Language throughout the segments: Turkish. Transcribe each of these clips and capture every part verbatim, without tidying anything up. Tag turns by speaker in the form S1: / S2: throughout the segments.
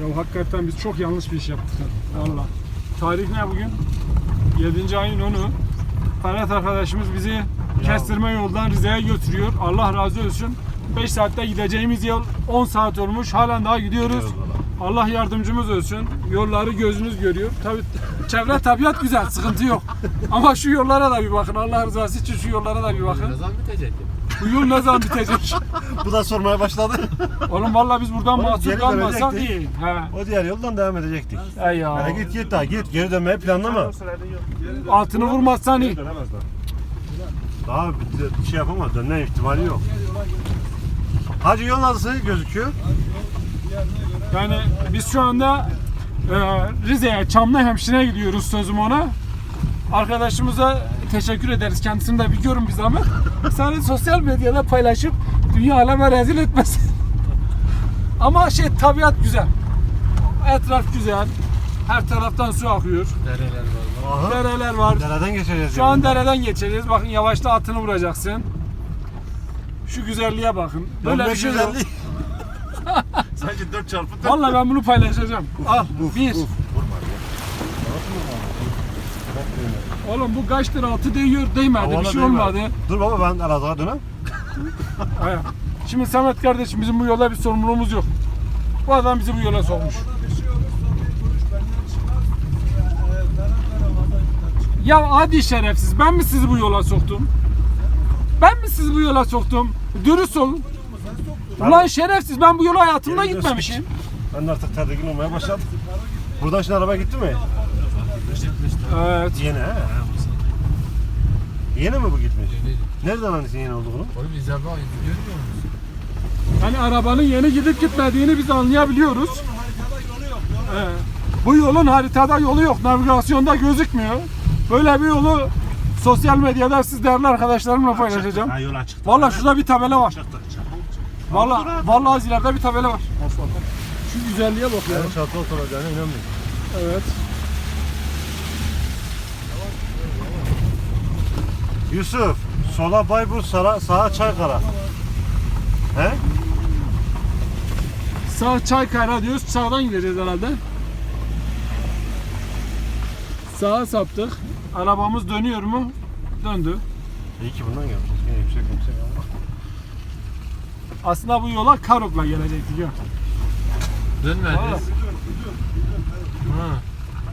S1: Ya hakikaten biz çok yanlış bir iş yaptık. Valla. Tarih ne bugün? yedinci ayın onu. Ferhat arkadaşımız bizi ya. Kestirme yoldan Rize'ye götürüyor. Allah razı olsun. beş saatte gideceğimiz yol on saat olmuş. Halen daha gidiyoruz. Allah yardımcımız olsun. Yolları gözünüz görüyor. Tabii çevre tabiat güzel, sıkıntı yok. Ama şu yollara da bir bakın. Allah rızası için şu yollara da bir bakın.
S2: Ne zaman bitecek?
S1: Bu yol ne zaman bitecek?
S3: Bu da sormaya başladı.
S1: Oğlum vallahi biz buradan
S3: Oğlum,
S1: mahsur
S3: geri
S1: kalmasak
S3: dönecektik.
S1: iyi. He.
S3: O diğer yoldan devam edecektik.
S1: Ey ya.
S3: Hadi git git daha git. Geri dönmeyi planlama.
S1: Altını vurmazsan iyi.
S3: Dönemez daha. Daha bir bir şey yapamaz. Dönme ihtimali yok. Hacı yol nasıl gözüküyor?
S1: Yani biz şu anda e, Rize'ye, Çamlıhemşin'e gidiyoruz sözüm ona. Arkadaşımıza teşekkür ederiz. Kendisini de bir görün bir zahmet. Sen sosyal medyada paylaşıp dünya aleme rezil etmesin. Ama şey tabiat güzel. Etraf güzel. Her taraftan su akıyor.
S2: Dereler var.
S3: Aha.
S1: Dereler var.
S3: Dereden geçeceğiz.
S1: Şu an dereden geçeceğiz. Bakın yavaşta atını vuracaksın. Şu güzelliğe bakın. Böyle bir şey yok.
S3: Sanki dört çarpı dört.
S1: Vallahi ben bunu paylaşacağım. Al. Bir.
S3: Uf, vurma ya.
S1: Oğlum bu kaçtır altı değiyor değmedi. Bir
S3: Havana
S1: şey
S3: değmedi.
S1: olmadı.
S3: Dur baba ben Elazığ'a dönem.
S1: Aya. Şimdi Samet kardeşim bizim bu yolda bir sorumluluğumuz yok. Bu adam bizi bu yola sokmuş. Ya hadi şerefsiz, ben mi sizi bu yola soktum? Ben mi sizi bu yola soktum? Dürüst olun. Ulan şerefsiz, ben bu yola hayatımda
S3: Geri
S1: gitmemişim.
S3: Ben de artık tedirgin olmaya başladım. Buradan şimdi araba gitti mi?
S1: Evet.
S3: Yeni he. Yeni mi bu gitmiş?
S2: Yeni.
S3: Nereden anlıyorsun yeni olduğunu?
S2: Oğlum izler bak görmüyor musun?
S1: Yani arabanın yeni gidip gitmediğini biz anlayabiliyoruz. Ee, bu yolun haritada yolu yok, navigasyonda gözükmüyor. Böyle bir yolu sosyal medyada siz değerli arkadaşlarımla paylaşacağım.
S3: Ha yol açıktı.
S1: Vallahi şurada bir tabela var.
S3: Çıktı.
S1: Vallahi vallahi az ileride bir tabela var. Şu güzelliğe bak ya.
S3: Yani çatı oturacağına inanmıyorum.
S1: Evet.
S3: Yusuf, sola Bayburt, sağa, sağa Çaykara. He?
S1: Sağ Çaykara diyoruz. Sağdan gideceğiz herhalde. Sağa saptık. Arabamız dönüyor mu? Döndü.
S3: İyi ki bundan gelmişiz. Yine yüksek yüksek ama.
S1: Aslında bu yola Karok'la gelecektik ya.
S2: Dönmedi.
S1: Vallahi.
S2: Ha.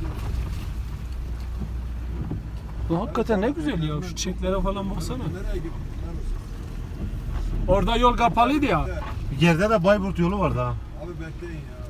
S1: Bu hakikaten ne güzel ya. Şu çiçeklere falan baksana. Orada yol kapalıydı ya.
S3: Geride de Bayburt yolu vardı ha.
S4: Abi bekleyin ya.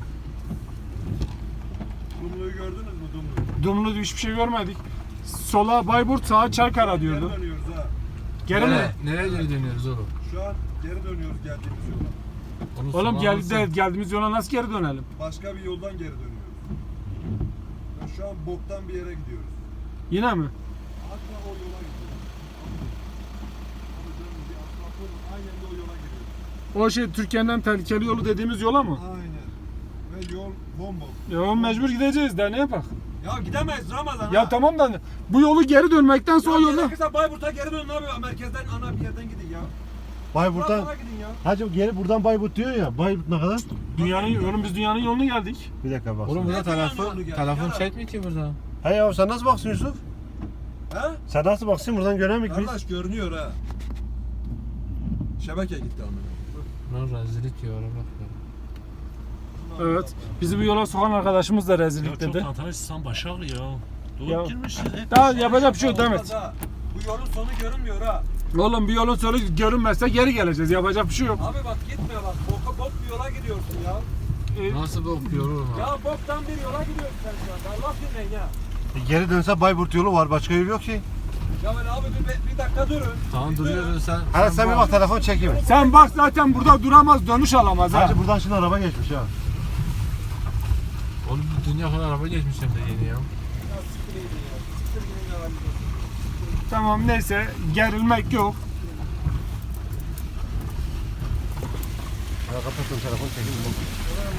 S4: Dumlu'yu gördünüz mü Dumlu'yu?
S1: Dumlu hiçbir şey görmedik. Sola Bayburt, sağa Çaykara
S4: Geri
S1: diyordu.
S4: dönüyoruz ha.
S1: Geri mi?
S2: Nereye, nereye geri dönüyoruz oğlum?
S4: Şu an geri dönüyoruz geldiğimiz yola.
S2: Onu
S1: Oğlum
S2: sola
S1: gel,
S2: nasıl-
S1: de, geldiğimiz yola nasıl geri dönelim?
S4: Başka bir yoldan geri dönüyoruz. Ya şu an boktan bir yere gidiyoruz.
S1: Yine mi?
S4: Hatta o yola gidiyoruz. Abi dönün bir asfaltın aynen de o yola giriyoruz.
S1: O şey Türkiye'nin tehlikeli yolu dediğimiz yola mı?
S4: Aynen. Ve yol bomboş.
S1: Ya oğlum mecbur gideceğiz de ne yapak?
S4: Ya gidemeyiz Ramazan
S1: Ya tamam da bu yolu geri dönmekten sonra o yolda.
S4: Gerekirse Bayburt'a geri dönün abi. Merkezden ana bir yerden gidin ya.
S3: Bayburt'tan.
S4: Buradan gidin ya.
S3: Hacı geri buradan Bayburt diyor ya. Bayburt ne kadar?
S1: Dünyanın oğlum biz dünyanın yoluna geldik.
S3: Bir dakika bak.
S2: Oğlum burada
S4: Ne zaman
S2: telefon,
S4: oldu geldi?
S2: telefon
S4: Ya.
S2: çekmiyor ki burada.
S3: Hey ya sen nasıl baksın Yusuf?
S4: He?
S3: Sen nasıl baksın buradan göremik biz.
S4: Kardeş görünüyor ha. Şebeke gitti amına.
S2: Lan rezillik ya bak ya.
S1: Evet. Bizi bu yola sokan arkadaşımız da rezillik dedi.
S5: Tantanışsan Başak ya. Doğru
S1: Ya.
S5: girmişsin. hep
S1: Daha
S5: bir
S1: yapacak bir şey yok
S4: Olmaz
S1: Demet.
S4: ha. Bu yolun sonu görünmüyor ha.
S1: Oğlum bir yolun sonu görünmezse geri geleceğiz. Yapacak bir şey yok.
S4: Abi bak gitme bak. Boka bok bir yola gidiyorsun ya.
S1: Ee,
S2: Nasıl bakıyor oğlum ha?
S4: Ya boktan bir yola gidiyorsun sen şu anda. Allah dinleyin ya.
S3: E, Geri dönse Bayburt yolu var. Başka yol yok ki.
S4: Ya ben abi bir, bir dakika durun.
S2: Tamam duruyorsun sen.
S3: Hadi sen bir bak telefon çekeyim.
S1: Sen bak zaten burada duramaz, dönüş alamaz ha.
S3: Hacı buradan şimdi araba geçmiş ha.
S2: Oğlum dünya kadar araba geçmiş hem de yeni ya.
S4: Ya siktir gidin ya. Siktir gidin ya.
S1: Tamam neyse gerilmek yok.
S3: Ya kapattım telefon çekeyim.